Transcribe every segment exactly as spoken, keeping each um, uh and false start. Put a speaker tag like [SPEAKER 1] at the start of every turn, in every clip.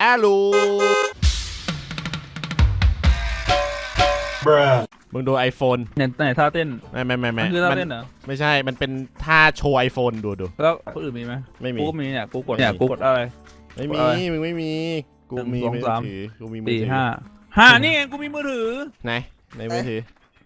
[SPEAKER 1] อาลูมึงดู iPhone
[SPEAKER 2] เนี่ยไหนท่าเต้น
[SPEAKER 1] ไม่ไม่ไม่ไม่
[SPEAKER 2] คือท่าเต้นเหรอ
[SPEAKER 1] ไม่ใช่มันเป็นท่าโชว์ iPhone ดูดู
[SPEAKER 2] แล้วคนอื่นมีไหม
[SPEAKER 1] ไม่มี
[SPEAKER 2] กูก็มีเนี่ยกูกดเนี่ยกูกดอะไร
[SPEAKER 1] ไม่มีมึงไม่มีกูมี
[SPEAKER 2] หนึ่งสอง
[SPEAKER 1] มือ
[SPEAKER 2] สาม
[SPEAKER 1] ถือกูมีมือ
[SPEAKER 2] สี่
[SPEAKER 1] ถือ
[SPEAKER 2] ห้าห้านี่ไงกูมีมือถือ
[SPEAKER 1] ไหนในมือถือ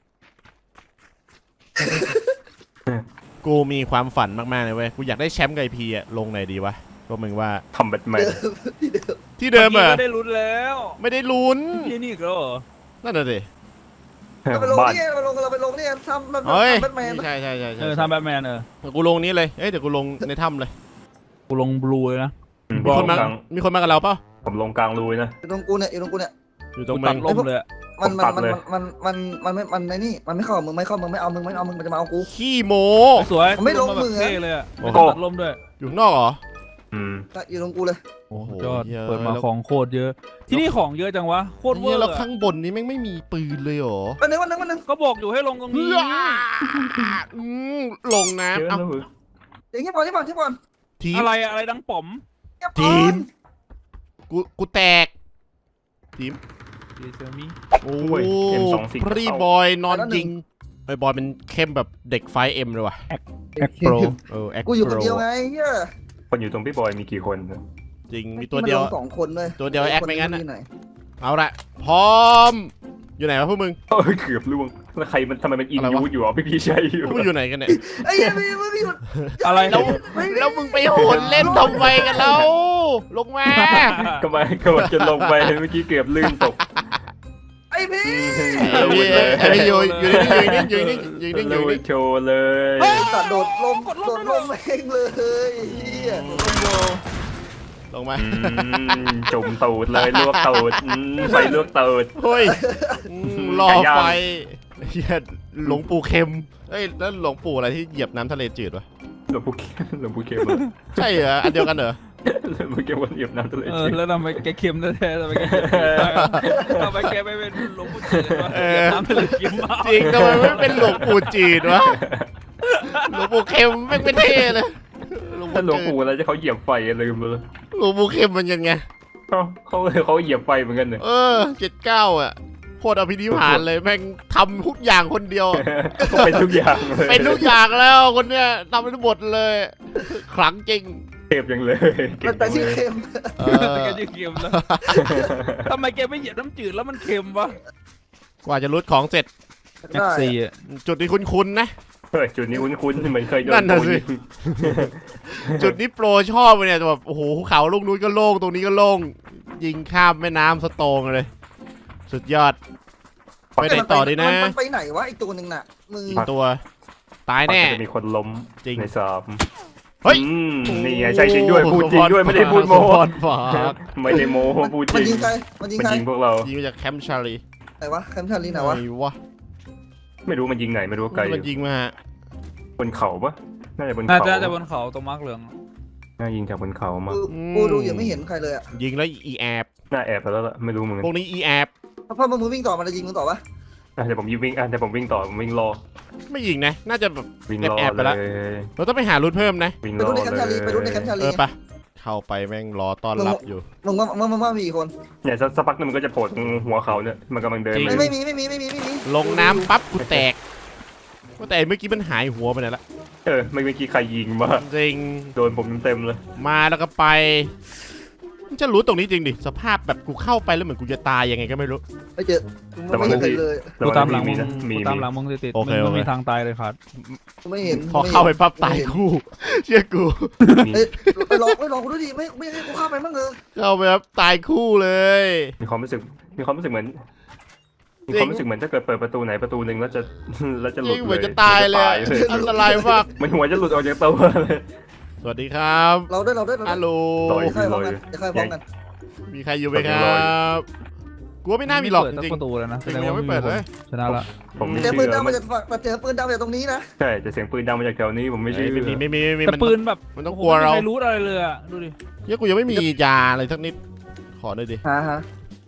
[SPEAKER 1] กูมีความฝันมากๆเลยเว้ยกูอยากได้แชมป์ไกพีอะลงไหนดีวะก็มึงว่า
[SPEAKER 3] ทำแบทแมน
[SPEAKER 1] ที่เดิมเหรอ
[SPEAKER 2] ไม่ได้ลุ้นแล้ว
[SPEAKER 1] ไม่ได้ลุ้น
[SPEAKER 2] ที่นี่อีก็เหรอ
[SPEAKER 1] นั่นน่ะสิ
[SPEAKER 4] เราไปลง
[SPEAKER 3] บ้าน
[SPEAKER 4] นี่เราไปลงเราไปลงนี่ทำแบบ
[SPEAKER 1] เฮ้ย
[SPEAKER 4] แบทแมน
[SPEAKER 1] ใช่ใช่ใช่ใช่
[SPEAKER 2] เออทำแบทแมนเออ
[SPEAKER 1] กูลงนี้เลยเอ้ยเดี๋ยวกูลงในถ้ำเลย
[SPEAKER 2] กูลงบลูเลยนะ
[SPEAKER 1] มีคนมา
[SPEAKER 3] ลงกลาง
[SPEAKER 1] มีคนมากับเราเปล่า
[SPEAKER 3] ผมลงกลางรูนะ
[SPEAKER 4] อยู่ตรงกูเนี่ยอยู่ตรงกูเนี่ย
[SPEAKER 1] อยู่ตรง
[SPEAKER 2] กู
[SPEAKER 1] มึ
[SPEAKER 2] ตั
[SPEAKER 1] ง
[SPEAKER 2] ดลมเลยอะ
[SPEAKER 4] มัน
[SPEAKER 3] ผม
[SPEAKER 4] มั
[SPEAKER 3] ตั
[SPEAKER 4] น
[SPEAKER 3] ด
[SPEAKER 4] มัน
[SPEAKER 3] เลย
[SPEAKER 4] มันมันมันไม่มันในนี่มันไม่เข้ามึงไม่เข้ามึงไม่เอามึงไม่เอามึงมันจะมาเอากู
[SPEAKER 1] ขี้โม
[SPEAKER 2] สวย
[SPEAKER 4] ไม่ลง
[SPEAKER 2] กูาแบบ
[SPEAKER 4] มือ
[SPEAKER 2] เท่เลยอะ
[SPEAKER 1] โอ้
[SPEAKER 2] ไม่
[SPEAKER 1] โห
[SPEAKER 2] ต้องตัดลมด้วย
[SPEAKER 1] อยู่ข้างนอกเหรอ
[SPEAKER 3] อืม
[SPEAKER 4] อยู่ตรงกูเลย
[SPEAKER 1] โอ้โห
[SPEAKER 2] ยอด
[SPEAKER 1] หี้ย
[SPEAKER 2] เปิดมา
[SPEAKER 1] แล้ว
[SPEAKER 2] ของโคตรเยอะ ที่นี่ของเยอะจังวะโคตรเวอ
[SPEAKER 1] เหี้ย
[SPEAKER 2] ร์
[SPEAKER 1] แล้ว
[SPEAKER 2] อะ
[SPEAKER 1] ข้างบนนี้แม่งไม่มีปืนเลยเหรอ
[SPEAKER 4] วันนึงวันนึงวันนึง
[SPEAKER 2] ก็บอกอยู่ให้ลงตรงนี้
[SPEAKER 1] อืมลง
[SPEAKER 3] เยอะ
[SPEAKER 1] น้ำเอา
[SPEAKER 3] นะมึง
[SPEAKER 4] อย่างเงี้ยบอลที่บอลที่บอล
[SPEAKER 1] ทีม
[SPEAKER 2] อะไรอะอะไรดังป๋อม
[SPEAKER 4] เงียบ
[SPEAKER 1] ที
[SPEAKER 4] ก่อน
[SPEAKER 1] ม กูกูแตกทีม
[SPEAKER 2] ดีเซอร์มี่
[SPEAKER 1] โอ้
[SPEAKER 3] ยเอ็มสองสี่
[SPEAKER 1] พรีบอยนอนยิงไอ้บอยมันเข้มแบบเด็กไฟเอ็มเลยว่ะ
[SPEAKER 2] แอคโปร
[SPEAKER 1] เออแอค
[SPEAKER 4] กูอยู่
[SPEAKER 1] โป
[SPEAKER 4] คน
[SPEAKER 1] ร
[SPEAKER 4] เดียวไงเฮีย
[SPEAKER 3] คนอยู่ตรงพี่บอยมีกี่คน
[SPEAKER 1] จริงมีตัวเดียว
[SPEAKER 4] มันลงสองคนเลย
[SPEAKER 1] ตัวเดียวแอคไม่งั้น
[SPEAKER 4] ค
[SPEAKER 1] อะ
[SPEAKER 4] อยู่ไห
[SPEAKER 1] เอาละพร้อม อยู่ไหนวะพวกมึง
[SPEAKER 3] เออเกือบล่วงแล้วใครมันทำไมมันอิน
[SPEAKER 1] อะไรวะ
[SPEAKER 3] ยูอยู่อ่ะพี่พี่ชัยอยู่
[SPEAKER 1] พวกมึงอยู่ไหนกันเนี่ย
[SPEAKER 4] ไอ้เหี้ยมึงมึงหยุด
[SPEAKER 2] อะไร
[SPEAKER 1] แล้วแล้วมึงไปโหนเล่นทำไมกันแล้วลงมา
[SPEAKER 3] ก็มาก็มาจะลงไปเมื่อกี้เกือบลื่นตก
[SPEAKER 4] ไอ้พี่
[SPEAKER 1] ไอ้พี่ไอ้พี่อยู่อยู่นี่อยู่นี่อยู่นี่อยู่นี่อยู่นี่
[SPEAKER 3] โชว์เลย
[SPEAKER 4] ตัดโดดลมโดดลมเองเลยเฮีย
[SPEAKER 1] ลงมา
[SPEAKER 3] อืมจุ่มตูดเลยลวกตูดอืมไฟลวกตูด
[SPEAKER 1] เฮ้ยอืมรอ
[SPEAKER 3] ไก่ย่าง
[SPEAKER 1] ไฟเฮียหลวงปู่เค็มเอ้ยแล้วหลวงปู่อะไรที่เหยียบน้ำทะเลจืดวะ
[SPEAKER 3] หลวงปู่เข็มหลวงปู่เข็ม
[SPEAKER 1] ใช่เหรออันเดียวกันเหรอ
[SPEAKER 3] หลวงปู่เข็มวันเหยียบน้ำทะเล
[SPEAKER 2] เอ
[SPEAKER 3] จ
[SPEAKER 2] อ
[SPEAKER 3] ริง
[SPEAKER 2] แล้วทำไมแกเค็มแท้ๆทำไมแกเค็มทำไมแกไม่เป็นหลวงปู่จีนวะ
[SPEAKER 1] เออ
[SPEAKER 2] เดี๋ยวน้ำทะเลเค็มมาก
[SPEAKER 1] จริงทำไมไม่เป็นหลวงปู่จีนวะหลวงปู่เค็มแม่งไม่เท่เลยหลวง
[SPEAKER 3] ถ้าหลวง
[SPEAKER 1] ปู่
[SPEAKER 3] ปู่อะไรจะเขาเหยียบไฟลืมไปเลย
[SPEAKER 1] หลวงปู่เค็มมันยังไง
[SPEAKER 3] เขาเขาเขาเหยียบไฟเหมือนกันเนี่ย
[SPEAKER 1] เออเจ็ดเก้าอ่ะโคตรอภินิหารเลยแม่งทำทุกอย่างคนเดียว
[SPEAKER 3] เขาเป็นทุกอย่างเลย
[SPEAKER 1] เป็นทุกอย่างแล้วคนเนี้ยทำทั้งหมดเลยขลังจริง
[SPEAKER 3] เทพยังเลย
[SPEAKER 4] มันแต่ที่เค็ม
[SPEAKER 1] เอ
[SPEAKER 2] แต่แก
[SPEAKER 1] อ
[SPEAKER 2] จะเค็มแล้วทำไมแกไม่เหยียบน้ำจืดแล้วมันเค็มวะ
[SPEAKER 1] กว่าจะรุดของเสร็จ
[SPEAKER 2] แม็กซี่อะ
[SPEAKER 1] จุดนี้คุ้นๆนะ
[SPEAKER 3] เฮ้ยจุดนี้คุ้นๆเหมือนเคยโด
[SPEAKER 1] นั่
[SPEAKER 3] น
[SPEAKER 1] นน่ะ
[SPEAKER 3] โด
[SPEAKER 1] สิ
[SPEAKER 3] ยิง
[SPEAKER 1] จุดนี้โปรชอบเลยเนี่ยแบบโอ้โหภูเขาลูกนู้นก็โล่งตรงนี้ก็โล่งยิงข้ามแม่น้ำสโตงเลย สุดยอดไปไหนต่อดีนะ
[SPEAKER 4] มันไปไหนวะไอ้ตัวหนึ่งน่ะมือ
[SPEAKER 1] อีกตัว ตายแน่
[SPEAKER 3] จะมีคนล้ม
[SPEAKER 1] จริง
[SPEAKER 3] ในสอบ
[SPEAKER 1] เฮ้ย
[SPEAKER 3] อืมนี่ไงใช่จริงด้วยพูดจริงด้วยไม่ได้พูดโม
[SPEAKER 1] สปอนฝาก
[SPEAKER 3] ไม่ได้โมพูดจ
[SPEAKER 4] มัน
[SPEAKER 3] ริ
[SPEAKER 4] ยิ
[SPEAKER 3] ง
[SPEAKER 4] งใครมันยิง
[SPEAKER 3] มัน
[SPEAKER 4] ใคร
[SPEAKER 3] ยิงพวกเรา
[SPEAKER 1] ยิงมาจากแคมป์ชาลี
[SPEAKER 4] ไหนวะแคมป์ชาลีไหนวะ
[SPEAKER 1] ไอ้วะ
[SPEAKER 3] ไม่รู้มันยิงไหนไม่รู้ไกล
[SPEAKER 1] มันยิงมาฮะ
[SPEAKER 3] บนเขาปะน่าจะบน
[SPEAKER 2] น่า
[SPEAKER 3] เขา
[SPEAKER 2] จะจะบนเขาตรงมาร์กเหลือง
[SPEAKER 3] น่ายิงจากบนเขามา
[SPEAKER 4] กูกูดูยังไม่เห็นใครเลยอ่ะ
[SPEAKER 1] ยิงแล้วอีแอบ
[SPEAKER 3] น่าแอบไปแล้วล่ะไม่รู้เหมือนกั
[SPEAKER 1] พวน กนี้อีแอบ
[SPEAKER 4] เพราะมึงวิ่งต่อมันจะยิงมึงต่อปะ
[SPEAKER 3] อ่ะเดี๋ยวผมยิงวิ่งอ่ะเดี๋ยวผมวิ่งต่อผมวิ่งรอ
[SPEAKER 1] ไม่ยิงนะ น่าจะแบบ
[SPEAKER 3] วิ่งรอ
[SPEAKER 1] แอบๆไป
[SPEAKER 3] เล
[SPEAKER 1] ละ
[SPEAKER 3] ย
[SPEAKER 1] เราต้องไปหารุดเพิ่มนะ
[SPEAKER 3] วิ่ง
[SPEAKER 4] ไป
[SPEAKER 3] รอ
[SPEAKER 4] ดูในแคมป์ชาลีไปดูใน
[SPEAKER 3] เลย
[SPEAKER 4] แคมป์ชา
[SPEAKER 1] เอ
[SPEAKER 4] ลี
[SPEAKER 1] อปะเข้าไปแม่งรอต้อนรับอยู่
[SPEAKER 4] มึงว่ามึงว่ามีกี่คน
[SPEAKER 3] เนี่ยสักสักพักนึงมันก็จะโผล่ตรงหัวเขาเนี่ยมันกำลังเดิน
[SPEAKER 1] จริง
[SPEAKER 3] มา
[SPEAKER 4] ไม่ไม่มีไม่มีไม่มีไม่มี
[SPEAKER 1] ลงน้ำปั๊บกูแตกว่าแต่เมื่อกี้มันหายหัวไปไหนละ
[SPEAKER 3] เออไม่เมื่อกี้ใครยิงมา
[SPEAKER 1] จริง
[SPEAKER 3] โดนผมเต็มๆเลย
[SPEAKER 1] มาแล้วก็ไปมันจะรู้ตรงนี้จริงดิสภาพแบบกูเข้าไปแล้วเหมือนกูจะตายยังไงก็ไม่รู้
[SPEAKER 4] ไม่เจอไม่เห็นใครเลย
[SPEAKER 2] กูตามหลังมึ
[SPEAKER 3] มี
[SPEAKER 2] ง
[SPEAKER 3] นะมี
[SPEAKER 2] กู
[SPEAKER 3] มี
[SPEAKER 2] ตามหลังมึงติดๆ
[SPEAKER 1] โอเค
[SPEAKER 2] มึง
[SPEAKER 1] โอเค
[SPEAKER 2] ไม่มีทางตายเลยครับ
[SPEAKER 4] ไม่เห็น
[SPEAKER 1] พอเข้าไปปั๊บตายคู่เชื่อกู
[SPEAKER 3] มี
[SPEAKER 4] เอ้ยไปลองไปลองกูดูดิไม่ไม่ให้กูเข้าไปบ้างเลย
[SPEAKER 1] เข้าไปปั๊บตายคู่เลย
[SPEAKER 3] มีความรู้สึกมีความรู้สึกเหมือนมีความรู้สึกเหมือนถ้าเกิดเปิดประตูไหนประตูหนึ่งแล้วจะแล้วจะหลุ
[SPEAKER 1] ยิ่
[SPEAKER 3] ด
[SPEAKER 1] งเห
[SPEAKER 3] เล
[SPEAKER 1] มือน
[SPEAKER 3] ย
[SPEAKER 1] จะตายเลยอะอันตรายมาก
[SPEAKER 3] มันหัวจะหลุดออกจากตัวเลย
[SPEAKER 1] สวัสดีครับ
[SPEAKER 4] เราด้วยเราด้วยเรา
[SPEAKER 1] ฮัล
[SPEAKER 4] ด้วย
[SPEAKER 1] โหล
[SPEAKER 3] ต่อย
[SPEAKER 4] จะค่อยพร้อมกันจะค่อยพร้อมกัน
[SPEAKER 1] มีใครอยู่ไหมครับกูว่าไม่น่ามีหรอก
[SPEAKER 2] เปิด
[SPEAKER 1] จ
[SPEAKER 2] สั
[SPEAKER 1] ริง
[SPEAKER 2] ประตูเลยนะ
[SPEAKER 1] ๆจริงๆยังไม่เปิดเลย
[SPEAKER 2] ชนะละ
[SPEAKER 3] ผมไม่
[SPEAKER 4] เจอ
[SPEAKER 3] เชื่
[SPEAKER 4] ปืนดั
[SPEAKER 3] อง
[SPEAKER 4] มาจากฝั่งเจอปืนดังมาจากตรงนี้นะ
[SPEAKER 3] ใช่แต่เสียงปืนดังมาจากแถวนี้ผมไม่เชื่อ
[SPEAKER 1] ไม่มีไม่มีไม่มี
[SPEAKER 2] แต่
[SPEAKER 1] มัน
[SPEAKER 2] ปืนแบบ
[SPEAKER 1] มันต้องกลัวเรา
[SPEAKER 2] ไม่รู้อะไรเลยอะดูดิ
[SPEAKER 1] เฮ้ยกูยังไม่มียาอะไรสักนิดขอหน่อยดิ
[SPEAKER 4] ฮะฮะ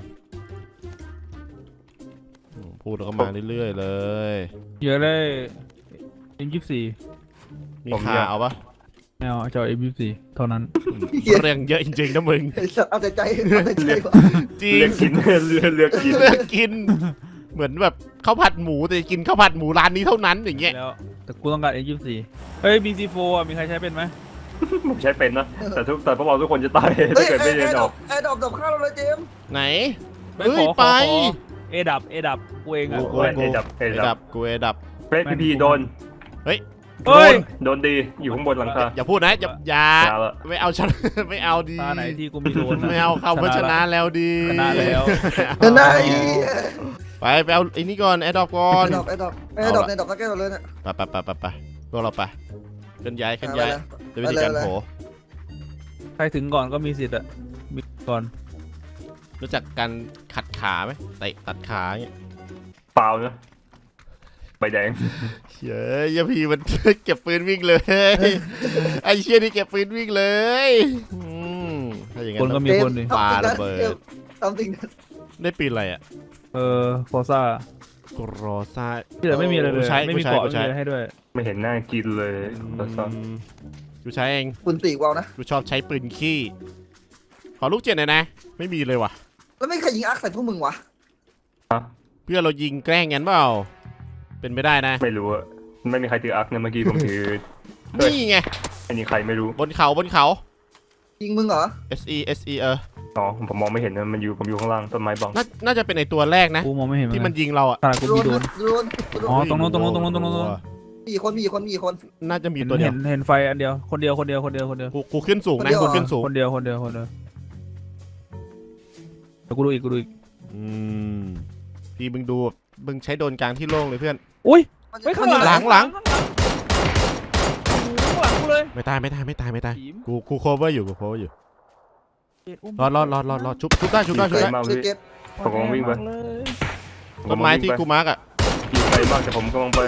[SPEAKER 1] อืมพูดแล้วก็มาเรื่อยๆเลย
[SPEAKER 2] เยอะเลยยิงยี่สิบสี่
[SPEAKER 1] มีขาเอาปะ
[SPEAKER 2] ไม่เอาจะเอา เอ็ม ยี่สิบสี่ เท่านั้น
[SPEAKER 1] เรื่องเยอะจริงๆนะมึง
[SPEAKER 4] ไอ้สัตว์เอาแต่ใจเอาแต่ใจว่ะ
[SPEAKER 1] จริ
[SPEAKER 3] เลื
[SPEAKER 1] ง
[SPEAKER 3] อกกินเลือกเลือกกิน
[SPEAKER 1] เลือกกิน เหมือนแบบข้าวผัดหมูแต่กินข้าวผัดหมูร้านนี้เท่านั้นอย่างเงี้ย
[SPEAKER 2] แล้วแต่กูต้องการ เอ็ม ยี่สิบสี่ เฮ้ย บี ซี โฟร์ อ่ะมีใครใช้เป็นไหม
[SPEAKER 3] ผมใช้เป็นนะแต่ทุกแต่พวกเราทุกคนจะตาย
[SPEAKER 4] เฮ้
[SPEAKER 3] ถ้าย เกิดไม่
[SPEAKER 4] ไอ้
[SPEAKER 3] เรียน
[SPEAKER 4] ด
[SPEAKER 3] อ
[SPEAKER 4] อ
[SPEAKER 3] อก
[SPEAKER 4] กไอ้ดอกดอกข้าวเราเลยเจมส์
[SPEAKER 1] ไหน
[SPEAKER 2] ไม่
[SPEAKER 1] เฮ้ย
[SPEAKER 2] ขอขอ
[SPEAKER 1] ไป
[SPEAKER 2] ขอเอดับ เอดับ กูเองอ่ะ
[SPEAKER 1] โอ้
[SPEAKER 3] โอ้ยเอดับเอ
[SPEAKER 1] เอ
[SPEAKER 3] ดั
[SPEAKER 1] ดั
[SPEAKER 3] บบ
[SPEAKER 1] กูเอดับ
[SPEAKER 3] เฟรดพีพีโดน
[SPEAKER 2] เฮ้ย
[SPEAKER 3] โดนดีอยู่ข้างบนหลังคา
[SPEAKER 1] อย่าพูดนะอย่าอย่า
[SPEAKER 3] อย่าละ
[SPEAKER 1] ไม่เอาชนะ ไม่เอาดี
[SPEAKER 2] ตาไหนที่กูมีโดนนะ
[SPEAKER 1] ไม่เอาคำว่าชนะแล้วดี
[SPEAKER 2] ชนะแล้ว
[SPEAKER 4] เดินได้
[SPEAKER 1] ไปไปเอาไอ้นี่ก่อนแอดดอปก่อ
[SPEAKER 4] ไอ้
[SPEAKER 1] น
[SPEAKER 4] ดอกไอ้ดอกไอ้ดอกในดอกตะแก้วเลยเนี่ย
[SPEAKER 1] ไปไปไปไปไปพวกเราไปเคลื่อนย้ายเคลื่อนย้าย
[SPEAKER 4] ไป
[SPEAKER 1] จะวิธีการโผล่
[SPEAKER 2] ใครถึงก่อนก็มีสิทธิ์อ่ะ มีก่อน
[SPEAKER 1] รู้จักการขัดขาไหมเตะตัดขาอย่างเงี้ย
[SPEAKER 3] เปล่านะใบแดง
[SPEAKER 1] เฮ้ยยาพีมัน เก็บปืนวิ่งเลย ไอ้เชี่ยนี่เก็บปืนวิ่งเลยอืมถ้าอย่าง
[SPEAKER 2] คน
[SPEAKER 1] นั้น
[SPEAKER 2] ก็มีคนดิ
[SPEAKER 1] ปาระเบิด
[SPEAKER 4] ทำสิ่งนั้น
[SPEAKER 1] ได้ปืนอะไรอ่ะ
[SPEAKER 2] เออฟอร์ซ่า
[SPEAKER 1] กรอซ่า
[SPEAKER 2] ที่เหลือไม่มีอะไรเลย
[SPEAKER 1] กูใช้
[SPEAKER 2] ไม่มี
[SPEAKER 1] กูใช้
[SPEAKER 2] เกาะ
[SPEAKER 1] กู
[SPEAKER 2] ไม่
[SPEAKER 1] ใช้
[SPEAKER 2] มีอะไรให้ด้วย
[SPEAKER 3] ไม่เห็นหน้ากินเลยตอนซ้อม
[SPEAKER 1] อืมกูใช้เอง
[SPEAKER 4] คุณตีกวาวนะ
[SPEAKER 1] กูชอบใช้ปืนขี้ขอลูกเจ็ดหน่อยนะ ไม่มีเลยว่ะ
[SPEAKER 4] แล้วไม่ใครยิงอาร์คใส่พวกมึงวะ
[SPEAKER 1] เพื่อนเรายิงแกล้งงั้นเปล่าเป็นไปได้นะ
[SPEAKER 3] ไม่รู้อะไม่มีใครถืออาร์คนะเมื่อกี้ผมถือ
[SPEAKER 1] นี่ไง
[SPEAKER 3] อันนี้ใครไม่รู้
[SPEAKER 1] บนเขาบนเขา
[SPEAKER 4] ยิงมึงเหรอ
[SPEAKER 1] S E S E เออ
[SPEAKER 3] อ๋อผมมองไม่เห็นนะมันอยู่ผมอยู่ข้างล่างต้นไม้บัง
[SPEAKER 1] น่าน่าจะเป็นไอตัวแรกนะ
[SPEAKER 2] กูมองไม่เห็น
[SPEAKER 1] ที่มันยิงเราอ่ะ
[SPEAKER 2] ตากู
[SPEAKER 4] โด
[SPEAKER 2] มี
[SPEAKER 4] น
[SPEAKER 2] โดน
[SPEAKER 4] โดนโดน
[SPEAKER 2] อ๋อ ตรงนู้นตรงนู้นตรงนู้นตรงนู้น
[SPEAKER 4] มีคนมีคนมีคน
[SPEAKER 1] น่าจะมี
[SPEAKER 2] เห็น
[SPEAKER 1] ตัวเดีย
[SPEAKER 2] เห็
[SPEAKER 1] วน
[SPEAKER 2] เห็นไฟอันเดียว คนเดียว คนเดียว คนเดียว คนเดียว
[SPEAKER 1] กูกูขึ้นสูงนะกูขึ้นสูง
[SPEAKER 2] คนเดียว คนเดียว คนเดียวเดี๋ยวกูดูอีก กูดูอีก
[SPEAKER 1] อืมพี่มึงดูมึงใช้โดนกลางที่โล่งเลยเพื่อน
[SPEAKER 2] อุ้ย
[SPEAKER 4] มันจะ
[SPEAKER 2] เฮ้ยข้างหลัง
[SPEAKER 1] หลังหลัง
[SPEAKER 2] ข้างหลังข้างหลังกูเลย
[SPEAKER 1] ไม่ตายไม่ตายไม่ตายไม่ตาย
[SPEAKER 2] ทีม
[SPEAKER 1] กูกูโคเวอร์อยู่กูโคเวอร์อยู่รอดรอดรอดรอดรอดชุบชุบได้ชุบได้ชุบได้
[SPEAKER 3] มาก
[SPEAKER 4] ช่วย
[SPEAKER 3] พี่
[SPEAKER 4] เก็บ
[SPEAKER 3] ผมกำลังวิ่งไป
[SPEAKER 2] เลย
[SPEAKER 1] ต้นไม้ที่กูมาร์กอ่ะ
[SPEAKER 3] อยู่ไกลมากแต่ผมกำลังไป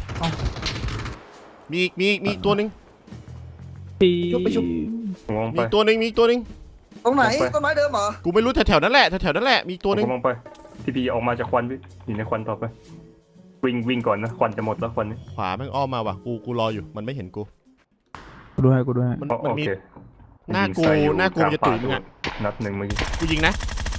[SPEAKER 1] มีอีกมีอีกมีอีกตัวหนึ่ง
[SPEAKER 2] ทีม
[SPEAKER 3] ผมกำลัง
[SPEAKER 1] มี
[SPEAKER 3] ไป
[SPEAKER 1] อีกตัวหนึ่งมีอีกตัวหนึ่ง
[SPEAKER 4] ตรงไหน
[SPEAKER 3] ไป
[SPEAKER 4] ต้นไม้เดิมเหรอ
[SPEAKER 1] กูไม่รู้แถวๆนั้นแหละแถวๆนั้นแหละมีอีก
[SPEAKER 3] ผ
[SPEAKER 1] ตัว
[SPEAKER 3] ม
[SPEAKER 1] หนึ่ง
[SPEAKER 3] กำลังไปพี่พีออกมาจากควันพี่อยู่ในควันต่อไป วิ่งวิ่งก่อนนะควันจะหมดแล้วควันนี้
[SPEAKER 1] ขวาแม่งอ้อมมาว่ะกูกูรออยู่มันไม่เห็นกู
[SPEAKER 2] กูดูให้ กูดูให้
[SPEAKER 1] มัน
[SPEAKER 3] อ๋อ
[SPEAKER 1] มัน
[SPEAKER 3] โอ
[SPEAKER 1] มี
[SPEAKER 3] เค
[SPEAKER 1] หน้ากู
[SPEAKER 3] ยิงใส่อยู่
[SPEAKER 1] หน้ากู
[SPEAKER 3] ลง
[SPEAKER 1] จะตุ๋ยมึงอะ
[SPEAKER 3] นัดหนึ่งเมื่อกี้
[SPEAKER 1] กูยิงนะ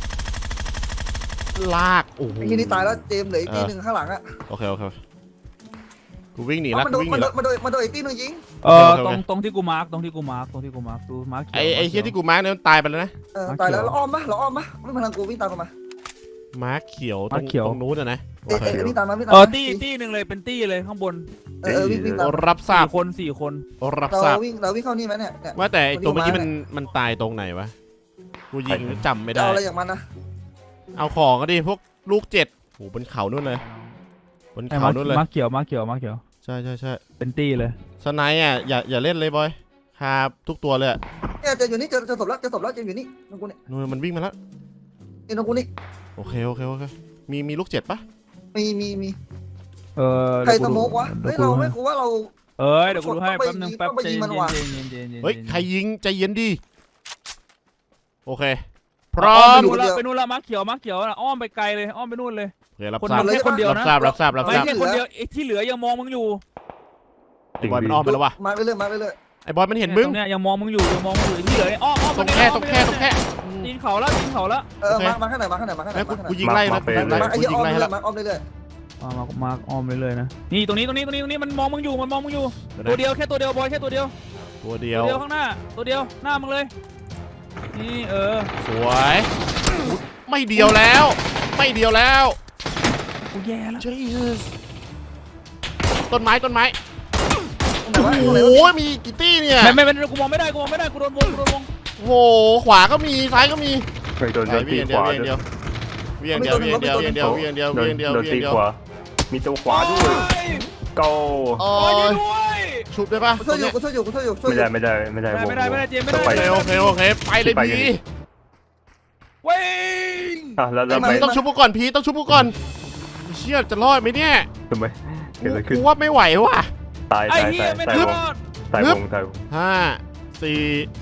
[SPEAKER 1] ลากโอ้โห
[SPEAKER 4] ไอ้ที่นี่ตายแล้วเจมส์เหลืออีกทีหนึ่งข้างหลังอ่ะ
[SPEAKER 1] โอเคโอเคกูวิ่งหนีละ
[SPEAKER 4] มัน
[SPEAKER 1] กู
[SPEAKER 4] โดน
[SPEAKER 1] วิ่งห
[SPEAKER 4] มัน
[SPEAKER 1] นี
[SPEAKER 4] โด
[SPEAKER 1] ละ
[SPEAKER 4] นมันโดนมันโดนอีกทีหนึงยิง
[SPEAKER 2] เออ
[SPEAKER 1] โอเคโอเค
[SPEAKER 2] ตรงตรงที่กูมาร์กตรงที่กูมาร์กตรงที่กูมาร์กดูมาร์กเขียว
[SPEAKER 1] ไอไอ
[SPEAKER 2] มาร์ค
[SPEAKER 1] เฮีย
[SPEAKER 2] ขีว
[SPEAKER 1] ที่กูมาร์กเนี่ยมันตายไปแล้วนะ
[SPEAKER 4] เออ
[SPEAKER 2] มาร์ค
[SPEAKER 4] ตายแล้ว
[SPEAKER 2] เขียว
[SPEAKER 4] เราอ้อมปะเราอ้อมปะไม่พลังกูวิ่งตามกันมา
[SPEAKER 1] มาร์กเขียวต
[SPEAKER 2] มา
[SPEAKER 1] ร
[SPEAKER 2] ร์
[SPEAKER 1] ง
[SPEAKER 2] คเขียว
[SPEAKER 1] ตรงนู้นอะนะ
[SPEAKER 4] เอ้ยเอ้ยวิ่งตามมาวิ่งตาม
[SPEAKER 2] เออ
[SPEAKER 4] มา
[SPEAKER 2] ตี้ตี้หนึ่งเลยเป็นตี้เลยข้างบน
[SPEAKER 4] เออเออวิ่งวิ่งตาม
[SPEAKER 1] รับทราบ
[SPEAKER 2] สี่คนสี่คน
[SPEAKER 1] รับ
[SPEAKER 4] เรา
[SPEAKER 1] ทราบ
[SPEAKER 4] วิ่งเราวิ่งเข้านี่ไหมเนี่ยเนี่ย
[SPEAKER 1] ว่าแต่ไอ้ตัวเมื่อกี้
[SPEAKER 4] วิ่
[SPEAKER 1] มัน
[SPEAKER 4] งมา
[SPEAKER 1] มันตายตรงไหนวะกูยิงจำไม่
[SPEAKER 4] จะ
[SPEAKER 1] ได้
[SPEAKER 4] เอาอะไรอย่างมันนะ
[SPEAKER 1] เอาของก็ดิพวกลูกเจ็ดโหบนเขานู่นเลยบน
[SPEAKER 2] ไอ้
[SPEAKER 1] เขา
[SPEAKER 2] มาร์ค
[SPEAKER 1] นู่นเลย
[SPEAKER 2] มาร์คเขียวมาร์คเขียวมาร์คเขียว
[SPEAKER 1] ใช่ใช่ใช่
[SPEAKER 2] เป็นตี้เลย
[SPEAKER 1] สไนด์อ่ะอย่าอย่าเล่นเลยบอยครับทุกตัวเลยอะ
[SPEAKER 4] เนี่ยเจะอยู่นี่เจะจะศพแล้วเจะศพแล้วเจะอยู่นี่ตรงกูนี่
[SPEAKER 1] นู่นมันวิ่งมาแล้ว
[SPEAKER 4] นี่ตรงกูนี่
[SPEAKER 1] โอเคโอเคโอเคมีมีลูกเจ็ดปะ
[SPEAKER 4] มีมีมี
[SPEAKER 2] เออ
[SPEAKER 4] ใคร
[SPEAKER 2] เดี๋ยว
[SPEAKER 4] ส
[SPEAKER 2] กู
[SPEAKER 4] โม
[SPEAKER 2] ดู
[SPEAKER 4] กวะเฮ้ย
[SPEAKER 2] ดี๋
[SPEAKER 4] เรา
[SPEAKER 2] วกูดู
[SPEAKER 4] ไม่
[SPEAKER 2] ให้
[SPEAKER 4] กูว่าเรา
[SPEAKER 2] เอ้ยเดี๋ยวกูดูให้
[SPEAKER 4] ต้องไป
[SPEAKER 2] แป๊บนึง
[SPEAKER 4] ยิง
[SPEAKER 2] แป๊บ
[SPEAKER 4] ต้องไป
[SPEAKER 2] ใจ
[SPEAKER 4] ยิ
[SPEAKER 2] เย็
[SPEAKER 4] ง
[SPEAKER 2] น
[SPEAKER 4] มันว่ะ
[SPEAKER 2] ใจเย็นใจเย็นใจเย็น
[SPEAKER 1] เฮ้ยใครยิงใจเย็นดิโอเค พร้
[SPEAKER 2] อ้
[SPEAKER 1] อ
[SPEAKER 2] อม
[SPEAKER 1] ม
[SPEAKER 2] ไปนู่นละไปนู่นละมาร์คเขียวมาร์คเขียวน่ะอ้อมไปไกลเลยอ้อมไปนู่นเลย
[SPEAKER 1] โอเครับ
[SPEAKER 2] คน
[SPEAKER 1] ทราบ
[SPEAKER 2] มันแค่คนเดียว
[SPEAKER 1] รับ
[SPEAKER 2] นะ
[SPEAKER 1] ทราบรับทราบรับ
[SPEAKER 2] ไม่
[SPEAKER 1] ทราบ
[SPEAKER 2] ใช่คนเดียวไอ้ที่เหลือยังมองมึงอยู่
[SPEAKER 3] จริง
[SPEAKER 1] บอย
[SPEAKER 3] พี่
[SPEAKER 1] มันอ้อมไปแล้ววะ
[SPEAKER 4] มาเรื่อยๆมาเรื่อย
[SPEAKER 1] ไอ้บอยมันเห็นมึง
[SPEAKER 2] ตรงเนี้ยยังมองมึงอยู่ยังมองมึงอยู่ไอ้ที่เหลือเนี่ยอ้อมอ้อม
[SPEAKER 1] ตรงแค่ตรงแค่ตรงแค่
[SPEAKER 2] ตีนเขาแล้วตีนเขาแล้ว
[SPEAKER 4] ๆเออมามาข้างไหนมาข้างไหนมาข้างไหน
[SPEAKER 1] ไอ้
[SPEAKER 4] มา
[SPEAKER 1] กู
[SPEAKER 4] ข้างไหน
[SPEAKER 1] กูยิงไล่นะกูยิงไล่
[SPEAKER 4] มาไอ้
[SPEAKER 1] กู
[SPEAKER 4] เหี้ย
[SPEAKER 1] ยิ
[SPEAKER 4] อ้อง ม
[SPEAKER 1] ไล่
[SPEAKER 4] เรื่
[SPEAKER 1] แล้
[SPEAKER 4] อยว ๆมาอ้อมเรื่อย
[SPEAKER 2] มามามาอ้อมไปเลยนะนี่ตรงนี้ตรงนี้ตรงนี้ตรงนี้มันมองมึงอยู่มันมองมึงอยู่ตัวเดียวแค่ตัวเดียวบอยแค่ตัวเดียว
[SPEAKER 1] ตัวเดี
[SPEAKER 2] ตั
[SPEAKER 1] ยว ว
[SPEAKER 2] เดียวข้างหน้าตัวเดียวหน้ามึงเลยนี่เออ
[SPEAKER 1] สวยไม่เดียวแล้ว ไม่เดียวแล้ว
[SPEAKER 2] กูแย่แล้ว
[SPEAKER 1] Jesus ต้นไม้ต้นไม้
[SPEAKER 4] ๆตรงไหน
[SPEAKER 1] โอ้
[SPEAKER 4] วะตรงไหน
[SPEAKER 1] โห
[SPEAKER 4] วะ
[SPEAKER 1] มีกี่ตี้เนี่ย
[SPEAKER 2] ไม่ไม่ไม่กูมองไม่ได้กูมองไม่ได้กูโดนวงกูโดนวง
[SPEAKER 1] โอ้โหขวาก็มีซ้ายก็มี
[SPEAKER 3] เคยโดน
[SPEAKER 1] ไป
[SPEAKER 3] โดนตี
[SPEAKER 1] วิ่ง
[SPEAKER 3] ขวา
[SPEAKER 1] เดียววิ่งเดียววิ่งเดียววิ่งเดียววิ่งเดียววิ่งเดียว
[SPEAKER 3] โด
[SPEAKER 1] วิ่งเดียววิ่ง
[SPEAKER 3] นตี
[SPEAKER 1] เดียว
[SPEAKER 3] ขวามีตัวขวาด้วยโก
[SPEAKER 1] โอ้
[SPEAKER 2] โอ้ย
[SPEAKER 1] ย
[SPEAKER 2] ด้วย
[SPEAKER 1] ชุบได้ปะ
[SPEAKER 4] กูช่วยอยู่กูช่วยอยู่กูช่วยอยู่ช่วย
[SPEAKER 3] ไม่
[SPEAKER 4] อยู่
[SPEAKER 3] ได้ไม่ได้ไม่ได้
[SPEAKER 2] ไม่ได้ไม่ได้เจมไม่
[SPEAKER 3] ต้
[SPEAKER 2] ได้
[SPEAKER 3] อง
[SPEAKER 1] โอ
[SPEAKER 3] ไป
[SPEAKER 1] เคโอเคโอเคไปเลย
[SPEAKER 3] ไป
[SPEAKER 1] พี
[SPEAKER 3] กัน
[SPEAKER 2] วิ่ง
[SPEAKER 3] อ่ะแล้วแล้วไป
[SPEAKER 1] พีต้องชุบกูก่อนพีต้องชุบกูก่อนเชี่ยจะรอดไหมเนี่ย
[SPEAKER 3] ทำไมเกิดอะไรขึ้น
[SPEAKER 1] กูว่าไม่ไหวว่ะ
[SPEAKER 3] ตาย
[SPEAKER 2] ไอ้
[SPEAKER 3] ตาย
[SPEAKER 2] เหี้
[SPEAKER 3] ตาย ย
[SPEAKER 2] ไม่
[SPEAKER 3] ตาย
[SPEAKER 2] ร
[SPEAKER 3] วง
[SPEAKER 2] อด
[SPEAKER 3] ตายวงตายวง
[SPEAKER 1] ห้าสี่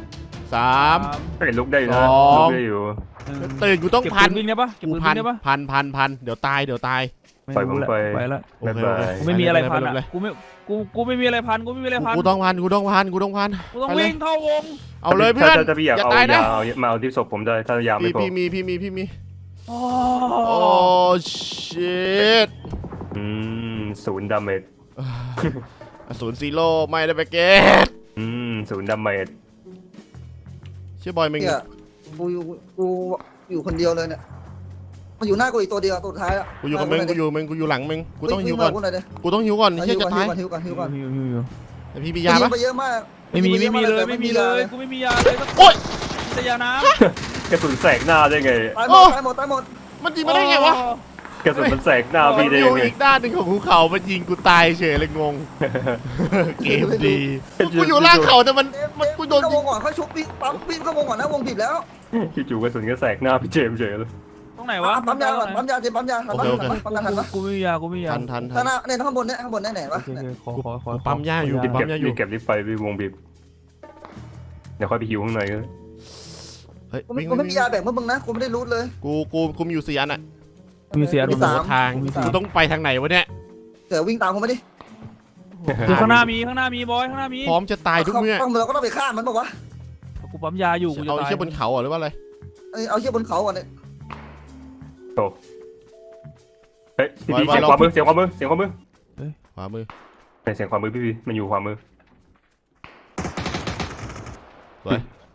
[SPEAKER 1] สาม
[SPEAKER 3] เฮ้ยลุกได้อยู่นะ
[SPEAKER 1] สอง
[SPEAKER 3] ลุกได้อยู่
[SPEAKER 1] ตื่นกูต้อง
[SPEAKER 2] เก็บ
[SPEAKER 1] พั
[SPEAKER 2] ปื
[SPEAKER 1] น
[SPEAKER 2] นวิ่งได้ปะเก็บ
[SPEAKER 1] กู
[SPEAKER 2] ปืน
[SPEAKER 1] พั
[SPEAKER 2] วิ่
[SPEAKER 1] น
[SPEAKER 2] งได้ปะ
[SPEAKER 1] พันพันพันเดี๋ยวตายเดี๋ยวตาย
[SPEAKER 2] ไม่รู้แหละไปแล้ว
[SPEAKER 1] โอเค
[SPEAKER 3] บ๊ายบาย
[SPEAKER 1] โอ
[SPEAKER 2] กู
[SPEAKER 1] เค
[SPEAKER 2] ไม่มีอะไรพัน
[SPEAKER 1] ป
[SPEAKER 2] อ่ะ
[SPEAKER 1] เลย
[SPEAKER 2] กูไม่กูกูไม่มีอะไรพันกูไม่มีอะไรพัน
[SPEAKER 1] กูต้องพันกูต้องพันกูต้องพัน
[SPEAKER 2] กูต้อง
[SPEAKER 1] ไปเลย
[SPEAKER 2] วิ่งเข้าวง
[SPEAKER 1] เอาเลยเพื่อน
[SPEAKER 3] ถ้าถ้าพี่อยาก
[SPEAKER 1] อย่า
[SPEAKER 3] เอา
[SPEAKER 1] ตายนะ
[SPEAKER 3] ยาเอามาเอาที่ศพผมได้ถ้ายาไม่
[SPEAKER 1] พี่
[SPEAKER 3] พอ
[SPEAKER 1] พี่มีพี่มีพี่มี
[SPEAKER 2] โอ้
[SPEAKER 1] โอ้ชิต
[SPEAKER 3] อืมศูนย์ดาเมจ
[SPEAKER 1] ศูนย์ซีโร่ไม่ได้ไปเกต
[SPEAKER 3] อืมศูนย์ดาเมจ
[SPEAKER 1] เชื่อบอยมึง
[SPEAKER 4] เนี่ยกูอยู่กูอยู่คนเดียวเลยเนี่ยมันอยู่หน้ากูอีกตัวเดียวตัวสุดท้ายอ่ะ
[SPEAKER 1] กูอยู่กับมึงกูอยู่มึงกูอยู่หลังมึงกูต้องหิวก่อน
[SPEAKER 4] กูหน่อยดิ
[SPEAKER 1] กูต้องหิวก่อน
[SPEAKER 4] หิ
[SPEAKER 1] เฮียว จะ
[SPEAKER 4] ก่อน
[SPEAKER 1] ตาย
[SPEAKER 4] หิวก่อนหิวก่อนหิวก่อน
[SPEAKER 2] อยู่อยู่อยู่
[SPEAKER 1] แต่พี่มี
[SPEAKER 4] ยิ
[SPEAKER 1] ยาง ปะ
[SPEAKER 4] ไปเยอะมาก
[SPEAKER 2] ไม่มีไม่มีเลยไม่มีเลยกูไม่มียาเลย
[SPEAKER 1] โอ๊ย
[SPEAKER 2] แต่ยาน้
[SPEAKER 3] กระสุนแสกหน้าได้ไง
[SPEAKER 4] ตายหม
[SPEAKER 1] โอ้
[SPEAKER 4] ดตายหมดตายหมด
[SPEAKER 1] มันยิง
[SPEAKER 2] ำ
[SPEAKER 1] มาได้ไงวะ
[SPEAKER 3] กระสุนมันแสกหน้าพี่ได้
[SPEAKER 1] อ
[SPEAKER 3] ยั
[SPEAKER 1] ยู่
[SPEAKER 3] งไง
[SPEAKER 1] อีกด้านหนึ่งของภูเขามันยิงกูตายเฉยเลยงง เกมดีกูอยู่ล่างเขาแต่มันมันกูโดน
[SPEAKER 4] เข้า
[SPEAKER 1] ยิ
[SPEAKER 4] ว
[SPEAKER 1] ง
[SPEAKER 4] งก่อนค่อยชุบวิ่งปั๊มวิ่งเข้าวงก่อนนะวงบีบแล้ว
[SPEAKER 3] จู่ๆกระสุนก็แสกหน้าพี่เจมส์เฉยเลย
[SPEAKER 2] ตรงไหนวะ
[SPEAKER 4] ปั๊มยาก่อนปั๊มยาเจปั๊มยาทันปะทันปะปั๊มยาทันปะ
[SPEAKER 2] กูไม่มียากูไม่มียา
[SPEAKER 1] ทันทันทั
[SPEAKER 4] ข้าน งหน้าเนี่ยข้างบนเนี่ยข้างบนเนี่ยไหน
[SPEAKER 2] โอ
[SPEAKER 4] วะ
[SPEAKER 2] เคโอเคขอขอขอ
[SPEAKER 1] กูปั๊มยาอยู่
[SPEAKER 3] รีบ
[SPEAKER 1] ปั๊
[SPEAKER 3] เก็บ
[SPEAKER 1] มยาอยู่
[SPEAKER 3] รีบเก็บรีบไปรีบวงบีบเดี๋ยวค่อยไปหิวข้างในก็
[SPEAKER 1] เฮ้ย
[SPEAKER 4] กูไม่
[SPEAKER 1] วิ่ง
[SPEAKER 4] กูไม่
[SPEAKER 1] วิ่ง
[SPEAKER 4] มียาแบ่งเมื่อมึงนะกูไม่ได้รูทเลย
[SPEAKER 1] กูกูกูมีอยู่สี่อันอ่ะ
[SPEAKER 2] มีเสีย
[SPEAKER 4] มี
[SPEAKER 2] ง
[SPEAKER 4] สาม
[SPEAKER 1] ทาง
[SPEAKER 2] มีสาม
[SPEAKER 1] กูต้องไปทางไหนวะเนี่ย
[SPEAKER 4] เดี๋ยววิ่งตามกูมาดิ
[SPEAKER 2] คือข้างหน้ามีข้างหน้ามีบอยข้างหน้ามี
[SPEAKER 1] พร้อมจะตายทุกเมื่อ
[SPEAKER 4] ต้องเราก็ต้องไปฆ่ามันบอกว่า
[SPEAKER 2] กูปั๊มยาอยู่กูจะ
[SPEAKER 1] เอา
[SPEAKER 2] ตาย
[SPEAKER 1] เชือกบนเขาเหรอหรือว่าอะไร
[SPEAKER 4] เอาเชือกบนเขาก่อนเนี่ย
[SPEAKER 3] โตเฮ้ยพี่พี่เสียงขวามือเสียงขวามือเสียงขวามือ
[SPEAKER 1] ขวามือ
[SPEAKER 3] ไหนเสียงขวามือพี่พี่มันอยู่ขวามือ
[SPEAKER 1] สวย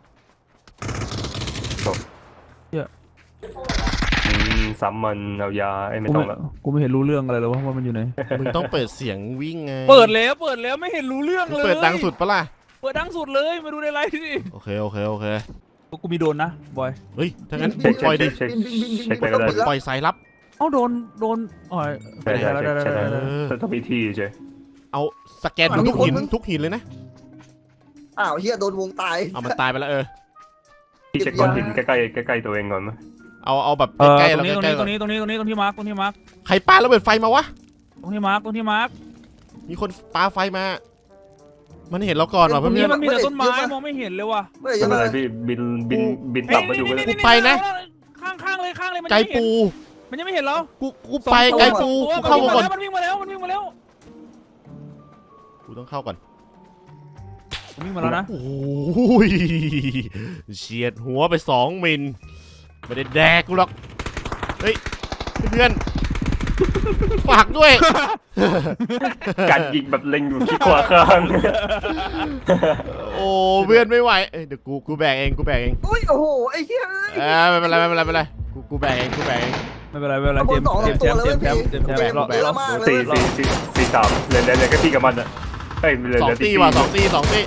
[SPEAKER 3] อืมซ้ำมันเอายาไอ้ไม่
[SPEAKER 2] กู
[SPEAKER 3] ต้อ
[SPEAKER 2] ไม่
[SPEAKER 3] งละ
[SPEAKER 2] กูไม่เห็นรู้เรื่องอะไรเลยว่าว่ามันอยู่ไหน
[SPEAKER 1] มึงต้องเปิดเสียงวิ่งไง
[SPEAKER 2] เปิดแล้วเปิดแล้วไม่เห็นรู้เรื่อง
[SPEAKER 1] มึง
[SPEAKER 2] เลย
[SPEAKER 1] เปิดดังสุดปะล่ะ
[SPEAKER 2] เปิดดังสุดเลยมาดูในไลฟ์ดิ
[SPEAKER 1] โอเคโอเคโอเค
[SPEAKER 2] กูมีโดนนะบอย
[SPEAKER 1] เฮ้ยถ้างั้น
[SPEAKER 3] เช็ค
[SPEAKER 1] ปล่อยดิ
[SPEAKER 3] เช็ค
[SPEAKER 4] บินบินบินบิน
[SPEAKER 3] เช็คไปก็ได้
[SPEAKER 1] ปล่อยสายลับ
[SPEAKER 2] เอ้าโดนโดนอ๋อ
[SPEAKER 3] ใช่ใช่
[SPEAKER 2] ได้
[SPEAKER 3] ใช่
[SPEAKER 2] ได้
[SPEAKER 3] ใช่
[SPEAKER 2] ได้
[SPEAKER 3] ได้
[SPEAKER 2] ได้
[SPEAKER 3] แต่ต้องมีที่ใช่
[SPEAKER 1] เอาสแกนดูทุกหินทุกหินเลยนะ
[SPEAKER 4] อ้าวเฮียโดนวงตาย
[SPEAKER 1] เอามันตายไปแล้วเออ
[SPEAKER 3] ที่เช็คก้อนหินใกล้ๆใกล้ๆตัวเองก่อนมั้ย
[SPEAKER 1] เอาเอาแบบ
[SPEAKER 2] เออ
[SPEAKER 1] ใกล้ๆ
[SPEAKER 2] ตร
[SPEAKER 1] แล้ว
[SPEAKER 2] งนี้ตรง
[SPEAKER 1] ใกล้
[SPEAKER 2] นี้
[SPEAKER 1] ๆ
[SPEAKER 2] ตรงนี้ตรงนี้ตรงนี้ตรงที่มาร์กตรงที่มาร์ก
[SPEAKER 1] ใครปาระเบิดไฟมาวะ
[SPEAKER 2] ตรงที่มาร์กตรงที่มาร์ก
[SPEAKER 1] มีคนปาไฟมา มันเห็นเราก่อนว่ะ
[SPEAKER 2] ตรง
[SPEAKER 1] เพื่
[SPEAKER 2] นี้
[SPEAKER 1] อน
[SPEAKER 2] มันมีแต่ต้นไม้มองไม่เห็นเลยว่ะ
[SPEAKER 4] ไม่
[SPEAKER 3] ไม่
[SPEAKER 4] ยัง
[SPEAKER 3] เป็น
[SPEAKER 4] ไง
[SPEAKER 3] ไรพี่บินบินบินต่ำมาอยู่ก็ได้
[SPEAKER 1] ไปนะ
[SPEAKER 2] ข้างข้างเลยข้างเลยมัน
[SPEAKER 1] ไก
[SPEAKER 2] ยังไม่เห็น
[SPEAKER 1] ปู
[SPEAKER 2] มันยังไม่เห็นเรา
[SPEAKER 1] กูกูไปไกปูกูเข้าวงก่อน
[SPEAKER 2] มันวิ่งมาแล้วมันวิ่งมาแล้ว
[SPEAKER 1] กูต้องเข้าก่อน
[SPEAKER 2] มันวิ่งมาแล้วนะ
[SPEAKER 1] โอ้ยเฉียดหัวไปสองมิลไม่ได้แดกกูหรอกเฮ้ยเพื่อนฝากด้วย
[SPEAKER 3] การยิงแบบเล็งอยู่ที่ขวาข้าง
[SPEAKER 1] โอ้เพื่อนไม่ไหวเอ้ยเดี๋ยวกูกูแบกเองกูแบกเอง
[SPEAKER 4] อุ้ยโอ้โหไอ้เหี้ย
[SPEAKER 1] เออไม่เป็นไรไม่เป็นไรไม่เป็นไรกูกูแบกเองกูแบกเอง
[SPEAKER 2] ไม่เป็นไรไม่เป็นไรเจมส์เจมส์แชมป์เจมส์แชมป์เจมส์แชมป์เราเรา
[SPEAKER 3] สี่สี่สี่สี่สามเหลือเหลือเหลือแค่พี่กับมันอ่ะเฮ้ยเหลือ
[SPEAKER 1] สอ
[SPEAKER 3] เห
[SPEAKER 1] ง
[SPEAKER 3] ลือ
[SPEAKER 1] ตี
[SPEAKER 3] ที่
[SPEAKER 1] ว่ะสองตีสองตี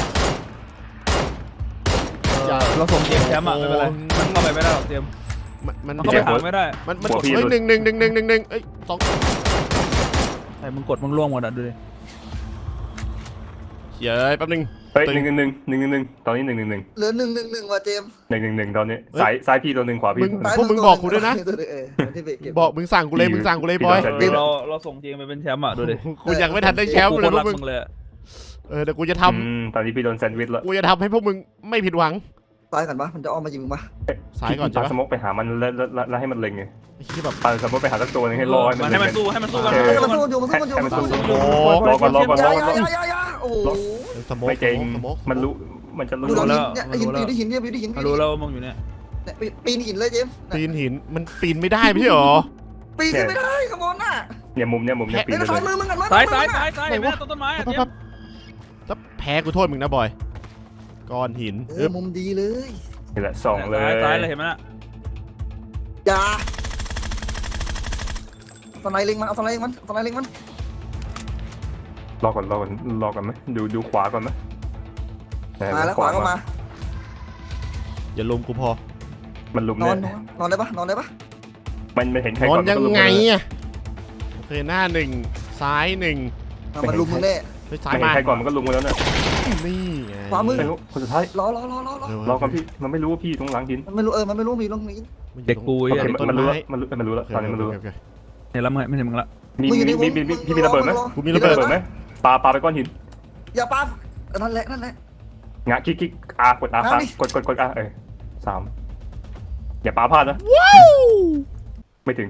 [SPEAKER 2] เราส่งเจมส์แชมป์อ่ะไม่เป็นไรมันเข้าไปไม่ได้หรอกเจมส์
[SPEAKER 1] มันมัน
[SPEAKER 2] มันเข้าไปหาไม่ได้
[SPEAKER 1] มันมันเฮ้ยหนึ่งหนึ่งหนึ่งหนึ่งหนึ่งหนึ่งเอ้ยสอง
[SPEAKER 2] ไอ้มึงกดมึงล่วงหมดอ่ะดูดิ
[SPEAKER 1] เฮ้ยแป๊บนึง
[SPEAKER 3] เฮ้ยหนึ่งหนึ่งหนึ่งหนึ่งหนึ่งหนึ่งตอนนี้หนึ่งหนึ่งหนึ่ง
[SPEAKER 4] เหลือหนึ่งหนึ่งหนึ่งว่ะเจมส์
[SPEAKER 3] หนึ่งหนึ่งหนึ่งตอนนี้ซ้ายซ้ายพี่ตัวหนึ่งขวาพี่ตัวหนึ่ง
[SPEAKER 1] พวกมึงบอกกูด้วยนะ
[SPEAKER 4] เออที่ไปเก็บ
[SPEAKER 1] บอกมึงสั่งกูเลยมึงสั่งกูเลยบอย
[SPEAKER 2] เราเราส่งเจมส์ไปเป็นแชมป์อ่ะดูดิ
[SPEAKER 1] กูยังไม่ทันได้แชมป์
[SPEAKER 2] กู
[SPEAKER 1] เล
[SPEAKER 2] ค
[SPEAKER 1] ย
[SPEAKER 2] น
[SPEAKER 1] พว
[SPEAKER 2] รั
[SPEAKER 1] ก
[SPEAKER 2] ก
[SPEAKER 1] มึง
[SPEAKER 2] มึงเลย
[SPEAKER 1] เออเดี๋ยวกูจะท
[SPEAKER 3] อืมตอนนี้พี่โดนแซนด์วิชแล้ว
[SPEAKER 1] ำกูจะทำให้พวกมึงไม่ผิดหวัง
[SPEAKER 4] ตายกันปะมันจะอ้อมมายิงมึงปะ
[SPEAKER 1] สายก่อน
[SPEAKER 3] ปา
[SPEAKER 1] ใช่
[SPEAKER 3] ส
[SPEAKER 1] ปะ
[SPEAKER 3] โมกไปหามันแล้วแล้วให้มันเล็งไง
[SPEAKER 1] ไอ้ที่แบบ
[SPEAKER 3] ปาสโมกไปหาสักตัวนึงให้รอให้มัน
[SPEAKER 2] ให้
[SPEAKER 3] เล็ง
[SPEAKER 2] มันสู้ให้มันสู้กัน
[SPEAKER 4] ให้มันสู้อยู่มันสู้มันอยู่มันสู้มันอยู่
[SPEAKER 3] รอก่อนรอก่อนร
[SPEAKER 4] ยา
[SPEAKER 3] อก่อน
[SPEAKER 4] ยายายาโอ้โห
[SPEAKER 1] สมอง
[SPEAKER 3] ไม่เก่ง
[SPEAKER 1] สมอง
[SPEAKER 3] มันรู้มันจะรู้
[SPEAKER 4] ดูหลัง
[SPEAKER 3] แล้ว
[SPEAKER 4] หินเนี่ยหินปีนหินเนี่ยปีนหิน
[SPEAKER 2] รู้แล้วว่ามึงอยู่เนี่ย
[SPEAKER 4] ปีนหินเลยเจมส์
[SPEAKER 1] ปีนหินมันปีนไม่ได้ไม่ใช่หรอ
[SPEAKER 4] ปีนขึ้นไม่ได้ขโมยน่ะ
[SPEAKER 3] เนี่ยมุมเนี่ยมุมเนี่ยปี
[SPEAKER 4] เฮ้ย
[SPEAKER 3] น
[SPEAKER 4] ซ้าย
[SPEAKER 3] เล
[SPEAKER 4] มือย มึงกันมั้ย
[SPEAKER 2] ซ้ายซ้ายซ้ายซ้ายแม่ต้นต้นไม้อ่ะเจมส์
[SPEAKER 1] ถ้าแพ้กูโทษมึงนะบอยก้อนหิน
[SPEAKER 4] เออมุมดีเลย
[SPEAKER 3] นี่แหละสองเลย
[SPEAKER 2] ซ้ายเลยเห็นไหมน่ะ
[SPEAKER 4] อย่าสไนเล็งมันเอาสไนเล็งมันสไนเล็งมัน
[SPEAKER 3] รอก่อนรอก่อนรอก่อนไหมดูดูขวาก่อนไหม
[SPEAKER 4] มาแล้วขวาก็มา
[SPEAKER 1] อย่าลุมกูพอ
[SPEAKER 3] มันลุม
[SPEAKER 4] นอ
[SPEAKER 3] เนี่ย
[SPEAKER 4] นนอนได้ปะนอนได้ปะ
[SPEAKER 3] มันมันเห็นใคร
[SPEAKER 1] นอ
[SPEAKER 3] ก่อน น
[SPEAKER 1] ยัง
[SPEAKER 3] มันก็ลุม
[SPEAKER 1] ไง
[SPEAKER 3] เลย
[SPEAKER 1] อะโอเคหน้าหนึ่งซ้ายหนึ่ง
[SPEAKER 4] มันลุมมึงแน่
[SPEAKER 1] ไปซ้าย
[SPEAKER 3] ไม่เห็
[SPEAKER 1] มาน
[SPEAKER 3] ใครก่อนมันก็ลุมกันแล้วเนี่ย
[SPEAKER 1] นี่ไง
[SPEAKER 4] ขวามือ
[SPEAKER 3] ไม่รู้คนสุดท้าย
[SPEAKER 4] รอรอรอรอรอ
[SPEAKER 3] รอก่อนพี่มันไม่รู้ว่าพี่ตรงหลังหิน
[SPEAKER 4] มันไม่รู้เออมันไม่รู้มีตรงนี้
[SPEAKER 2] เด็กกู
[SPEAKER 3] โอ
[SPEAKER 2] ไอ้
[SPEAKER 3] เค
[SPEAKER 2] เด็ก
[SPEAKER 3] มันรู้แล้วมันรู้มันรู้แล้วตอนนี้มันรู้
[SPEAKER 2] เนี่ยแล้วมึงไม่เห็นมึงละ
[SPEAKER 3] มีมีมีมีพี่มีระเบิดไหม
[SPEAKER 1] กูมี
[SPEAKER 3] มี
[SPEAKER 1] ระ
[SPEAKER 3] ระ
[SPEAKER 1] เบิด
[SPEAKER 3] เบิดไหมปาปาไปก้อนหิน
[SPEAKER 4] อย่าปานั่นแหละนั่นแหละ
[SPEAKER 3] งะคลิกคลิกอากดอาค้างกดกดกดอาเออสามอย่าปาพลาดนะ
[SPEAKER 1] ว้าว
[SPEAKER 3] ไม่ถึง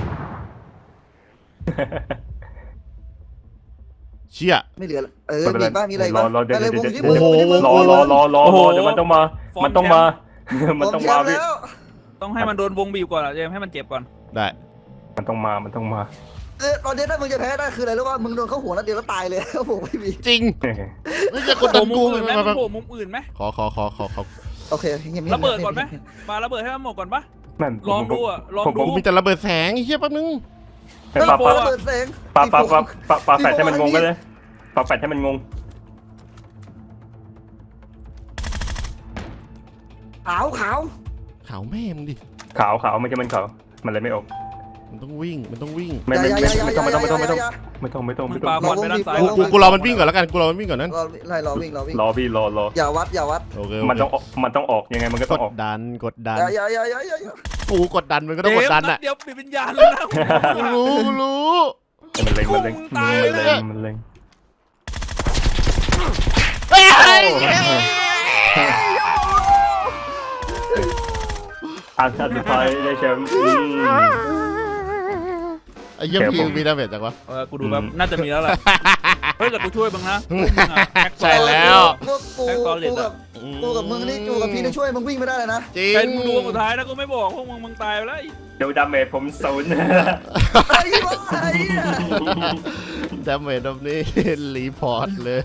[SPEAKER 1] เชี่ย
[SPEAKER 4] ไม่เหลือละเออมีบ้างมีอะไรบ้าง
[SPEAKER 3] รอรอเดี๋ยว
[SPEAKER 4] อะไร
[SPEAKER 3] เดี๋ยว
[SPEAKER 4] วงที่
[SPEAKER 1] โอ้
[SPEAKER 4] มึง
[SPEAKER 1] โห
[SPEAKER 4] ที่มึง
[SPEAKER 3] รอรอรอรอรอเดี๋ยวมันต้องมา มันต้องมา มันต้องมาพี่
[SPEAKER 4] แล้ว
[SPEAKER 2] ต้องให้มันโดนวงบีบก่อนอะเจมส์ให้มันเจ็บก่อน
[SPEAKER 1] ได้
[SPEAKER 3] มันต้องมามันต้องมา
[SPEAKER 4] เออตอนนี้ถ้ามึงจะแพ้ได้คืออะไรรู้ป่ะมึงโดนเข้าหัวนัดเดียวแล้วตายเลย โอ้โหไม่มี
[SPEAKER 1] จริงไม่ใช่กด
[SPEAKER 2] โผ
[SPEAKER 1] ดั
[SPEAKER 2] ล่
[SPEAKER 1] น
[SPEAKER 2] มุ
[SPEAKER 1] กู
[SPEAKER 2] มอื่นไหมมันโผล่มุมอื่นไหม
[SPEAKER 1] ขอขอขอขอขอ
[SPEAKER 4] โอเคเงียบๆ
[SPEAKER 2] ระเบิดก่อนไหมปาระเบิดให้มันหมดก่อนปะ
[SPEAKER 3] นั่น
[SPEAKER 2] ลองดูอะลอง
[SPEAKER 3] ผม
[SPEAKER 2] ดู
[SPEAKER 3] ผม
[SPEAKER 1] มีแต่ระเบิดแสงไอ้เหี้ยแป๊บนึง
[SPEAKER 3] ให้ปาปา
[SPEAKER 4] ระเบิดแสง
[SPEAKER 3] ปาปาปาปาปาแฟดให้มันงงก็เลยปาแฟดให้มันงง
[SPEAKER 4] ขาวขาว
[SPEAKER 1] ขาวแม่มึงดิ
[SPEAKER 3] ขาวขาวไม่ใช่มันขาวมันเลยไม่ออก
[SPEAKER 1] มันต้องวิ่งมันต้องวิ่ง
[SPEAKER 3] ไม่ไม่
[SPEAKER 4] อย่า
[SPEAKER 3] ไม่
[SPEAKER 4] อย่า
[SPEAKER 3] ไม่ต้องไม่ต้องไม่ต้อง
[SPEAKER 4] อย่าอย่า
[SPEAKER 3] ไม่ต้องไม่ต้อง
[SPEAKER 2] มึ
[SPEAKER 3] ไม่
[SPEAKER 2] ง
[SPEAKER 3] ต้อง
[SPEAKER 2] ปา
[SPEAKER 3] ไม่
[SPEAKER 2] บ
[SPEAKER 3] ต้
[SPEAKER 2] อ
[SPEAKER 3] อง
[SPEAKER 2] ลไปด้านซ้าย
[SPEAKER 1] กูกูกูรอมันวิ่งก่อนแล้วกันกูรอมันวิ่งก่อนนั้น
[SPEAKER 4] รอไล่รอวิ่งรอวิ่ง
[SPEAKER 3] รอพี่รอรอ
[SPEAKER 4] อย่าวัดอย่าวัด
[SPEAKER 1] โอเค
[SPEAKER 3] มันต้องออกมันต้องออกยังไงมันก็
[SPEAKER 1] ก
[SPEAKER 3] ต้อง
[SPEAKER 1] ด
[SPEAKER 3] ออก
[SPEAKER 1] ดันกดดัน
[SPEAKER 4] อย่าอย่าอย่าอย่าอย่า
[SPEAKER 1] กูกดดันมันก็ต้องกดดันอ่ะ
[SPEAKER 2] เดี๋ยวปิดวิญญาณแล้วนะ
[SPEAKER 1] กูรู้กูรู้
[SPEAKER 3] มันเล็งมันเล็ง
[SPEAKER 2] ตาย
[SPEAKER 3] มัน
[SPEAKER 2] เลย
[SPEAKER 3] เล็งมันเล็ง
[SPEAKER 1] เฮ้ย
[SPEAKER 3] อันสุดท้ายได้แชมป์อืม
[SPEAKER 1] ไอ้เหี้ยพีมีดาเมจจังวะ
[SPEAKER 2] เออกูดูแบบน่าจะมีแล้วแหละเฮ้ยแต่กูช่วยมึงนะพวกมึงอะแพ็ค
[SPEAKER 1] ใช่แล้ว
[SPEAKER 4] พวกกูกูกับกูกับมึงนี่กูกับพี่นี่ช่วยมึงวิ่งไม่ได้เลยนะ
[SPEAKER 1] จริง
[SPEAKER 2] เป็นกูดวงสุดท้ายแล้วกูไม่บอกพวกมึงมึงตายไปแล้ว
[SPEAKER 3] เดี๋ยวดาเมจผมศูนย์
[SPEAKER 4] ไอ้บ้าไอ้เนี่ย
[SPEAKER 1] ดาเมจแบบนี้รีพอร์ตเลย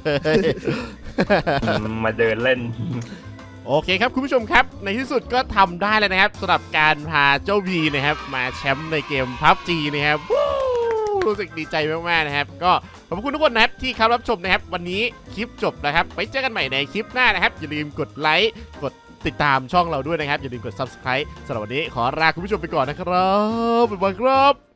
[SPEAKER 3] มาเดินเล่น
[SPEAKER 1] โอเคครับคุณผู้ชมครับในที่สุดก็ทำได้แล้วนะครับสำหรับการพาเจ้าพีนะครับมาแชมป์ในเกม พับจี นะครับวู้รู้สึกดีใจมากๆนะครับก็ขอบคุณทุกคนนะครับที่เข้ารับชมนะครับวันนี้คลิปจบแล้วครับไปเจอกันใหม่ในคลิปหน้านะครับอย่าลืมกดไลค์กดติดตามช่องเราด้วยนะครับอย่าลืมกด ซับสไครบ์ สำหรับวันนี้ขอลาคุณผู้ชมไปก่อนนะครับบ๊ายบายครับ